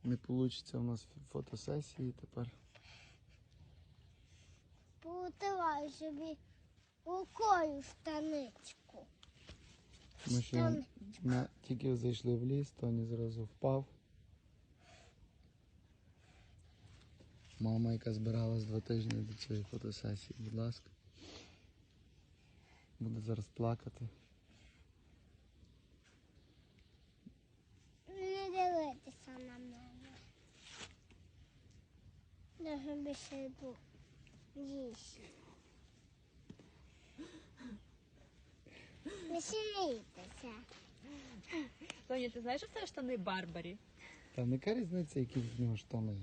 Не вийде у нас фотосесії тепер. Повитираю собі рукою штаничку. Ми ще тільки зайшли в ліс, Тоні зразу впав. Мама, яка збиралась 2 тижні до цієї фотосесії, будь ласка. Буде зараз плакати. Не дивитися на мене. Дуже більше йду їсти. Веселітися. Тоня, ти знаєш, що це штани Барбарі? Та яка різниця, які в нього штани?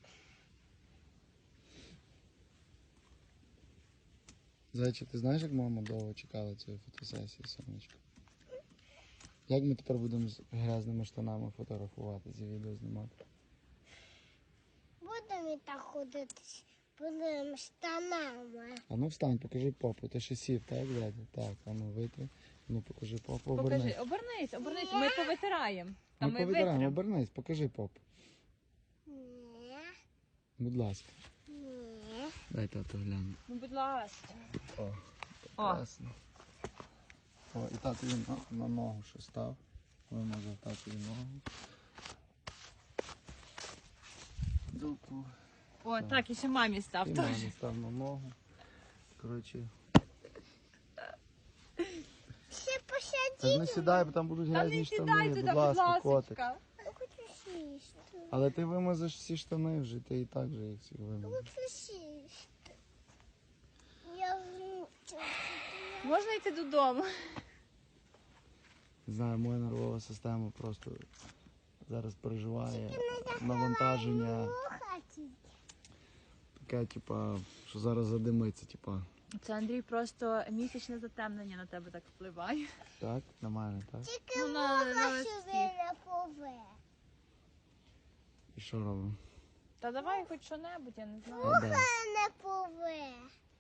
Зайчик, ти знаєш, як мама довго чекала цієї фотосесії, сонечко? Як ми тепер будемо з грязними штанами фотографуватися і відео знімати? Будемо і так ходити, будемо штанами. А ну встань, покажи попу. Ти ще сів, так, дядя? Так, а ну витри. Ну покажи попу, Покажи, обернись. обернись, ми повитираємо. Та Ми ми повитираємо, витримо. обернись, покажи попу. Ні, Будь ласка. ні. Дай тату гляну. Ну, будь ласка. О, прекрасно. О, і татові на ногу ще став. Вимазав татові ногу. Дуку. О, так, і ще мамі став І теж. мамі став на ногу. Коротше. Ще Та посадіть. не сідай, бо там будуть Та грязні не штани. сідай туди, Будь будь ласка, котик. ласочка. Я хочу сісти. Але ти вимазеш всі штани вже, ти і так же їх всіх вимазав. Хочу сісти. Я вмучуся. Можна йти додому? Не знаю, моя нервова система просто зараз переживає навантаження. Хаті. Таке, типа, що зараз задимиться, типа. Це, Андрій, просто місячне затемнення на тебе так впливає. Так, на мене, так? Тільки Ну, на вуха листі. сюди не пове. І що робимо? Та давай хоч що-небудь, я не знаю. А, да. Не пове.